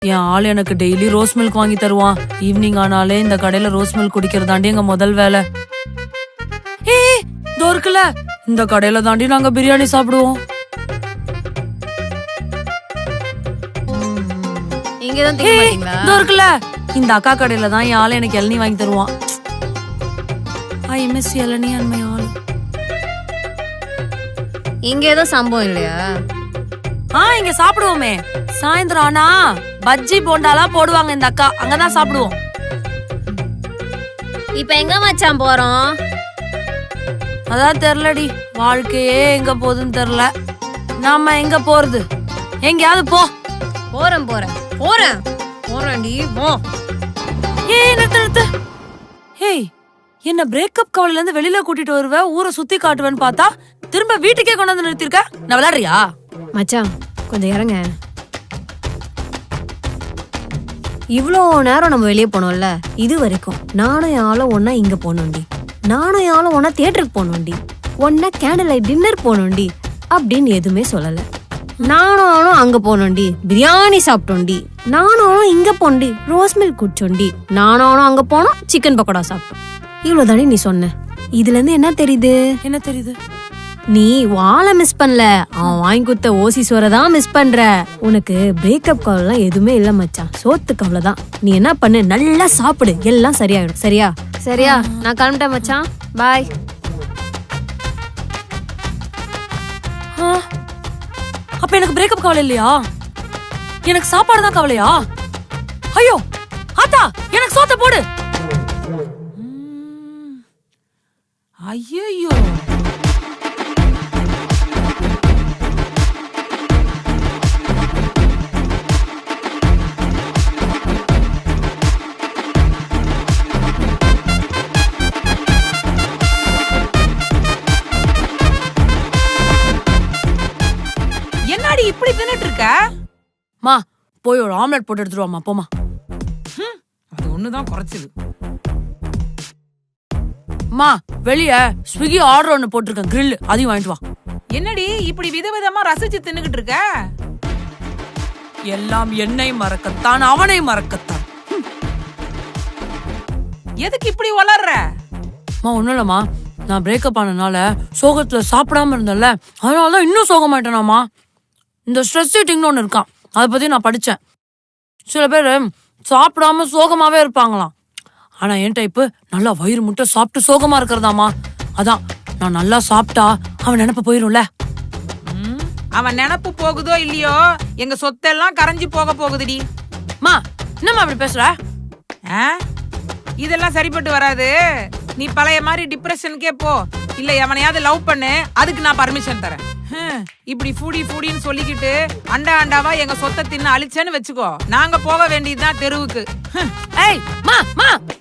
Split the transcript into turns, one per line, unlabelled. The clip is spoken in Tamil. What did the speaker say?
என் ஆள் எனக்கு டெய்லி ரோஸ் மில்க் வாங்கி தருவான். ஈவினிங் ஆனாலே இந்த கடையில ரோஸ் மில்க் குடிக்கிறதாண்டி எங்க முதல் வேலை. இதோ இருக்குல்ல, இந்த கடையில தாண்டி நாங்க பிரியாணி சாப்பிடுவோம். இதோ இருக்குல்ல, இந்த அக்கா கடையில தான் என் ஆளு எனக்கு இளநீ வாங்கி தருவான். ஐ மிஸ் இளநீ அண்ட் மை ஆள்.
இங்க ஏதோ சம்பவம் இல்லையா?
இங்க சாப்பிடுவோமே. சாயந்தரம் ஆனா பஜ்ஜி போண்டாலாம் போடுவாங்க இந்த அக்கா, அங்கதான் சாப்பிடுவோம்.
இப்ப எங்க மச்சான் போறோம்?
அதான் தெரியலடி, வாழ்க்கையே எங்க போகுதுன்னு தெரியல. நாம எங்க போறது? எங்கயாவது போ.
போறேன் போறேன் போறேன் போறேன்டி போ.
நிறுத்து. ஹேய், என்ன பிரேக்கப் கவலையில இருந்து வெளியில கூட்டிட்டு வருவ, ஊரை சுத்தி காட்டுவேன்னு பார்த்தா திரும்ப வீட்டுக்கே கொண்டு வந்து நிறுத்திருக்க. நான் விளையாடுறியா?
மச்சான் கொஞ்சம் இறங்க. இவ்வளோ நேரம் நம்ம வெளியே போனோம்ல, இது வரைக்கும் நானும் யாரும் ஒன்னா இங்க போனோண்டி, நானும் யாரும் ஒன்னா தியேட்டருக்கு போனோண்டி, ஒன்னா கேண்டில் லைட் டின்னர் போனோண்டி அப்படின்னு எதுவுமே சொல்லல. நானும் அங்க போனோண்டி, பிரியாணி சாப்பிட்டோண்டி, நானும் இங்க போனோண்டி, ரோஸ் மில்க் குடிச்சோண்டி, நானும் அங்க போனோம் சிக்கன் பக்கோடா சாப்பிட்டோம். இவ்வளவுதானே நீ சொன்ன. இதுல இருந்து என்ன தெரியுது?
என்ன தெரியுது?
நீ வாழை மிஸ் பண்ணல, அவன் வாங்கி கொடுத்த ஓசி சோறதான் மிஸ் பண்ற. உனக்கு பிரேக்கப் கவலைலாம் எதுவுமே இல்ல மச்சான், சோத்து கவலைதான். நீ என்ன பண்ணு, நல்லா சாப்பிடு, எல்லாம் சரியாயிடும். சரியா? சரியா, நான் கிளம்பிட்டேன் மச்சான், பாய்.
அப்ப எனக்கு பிரேக்கப் கவலை இல்லையா? எனக்கு சாப்பாடு தான் கவலையா? ஐயோ ஆத்தா, எனக்கு சோத்த போடு. ஐயோ, என்னடி இப்படி தின்னுட்டு இருக்க? மா, போய் ஒரு ஆம்லெட் போட்டு எடுத்துருவாமா, போமா.
அது ஒண்ணுதான் குறைச்சது.
மா, வெளிய ஸ்விக்கி ஆர்டர் ஒன்னு போட்டிருக்கேன், கிரில், அதையும் வாங்கிட்டு வா.
என்னடி இப்படி விதவிதமா ரசிச்சு தின்னுகிட்டு இருக்க?
எல்லாம் என்னை மறக்கத்தான், அவனை மறக்கத்தான்.
எதுக்கு இப்படி வளர்ற?
ஒண்ணும் இல்லம்மா, நான் பிரேக்கப் ஆனனால சோகத்துல சாப்பிடாம இருந்தேன்ல, அதனாலதான் இன்னும் சோகமாயிட்டேனாமா. இந்த ஸ்ட்ரெஸ் ஈட்டிங்னு ஒண்ணு இருக்கான், அதை பத்தி நான் படிச்சேன். சில பேர் சாப்பிடாம சோகமாவே இருப்பாங்களாம். ஆனா என் டைப்பு நல்லா வயிறு முட்டை சாப்பிட்டு சோகமா இருக்கிறதாமா. அதான் நான் நல்லா சாப்பிட்டா அவன் நினைப்ப போயிரும்ல.
அவன் நினப்பு போகுதோ இல்லையோ, எங்க சொத்தெல்லாம் கரைஞ்சு போக போகுதுடி.
மா, என்னம்மா அப்படி பேசுற?
இதெல்லாம் சரிப்பட்டு வராது. நீ பழைய மாதிரி டிப்ரெஷனுக்கே போ, இல்ல எவனையாவது லவ் பண்ணு, அதுக்கு நான் பர்மிஷன் தரேன். இப்படி ஃபூடின்னு சொல்லிக்கிட்டு அண்டா அண்டாவா எங்க சொத்தை தின்னு அழிச்சேன்னு வச்சுக்கோ, நாங்க போக வேண்டியதுதான் தெருவுக்கு.
ஏய் மா,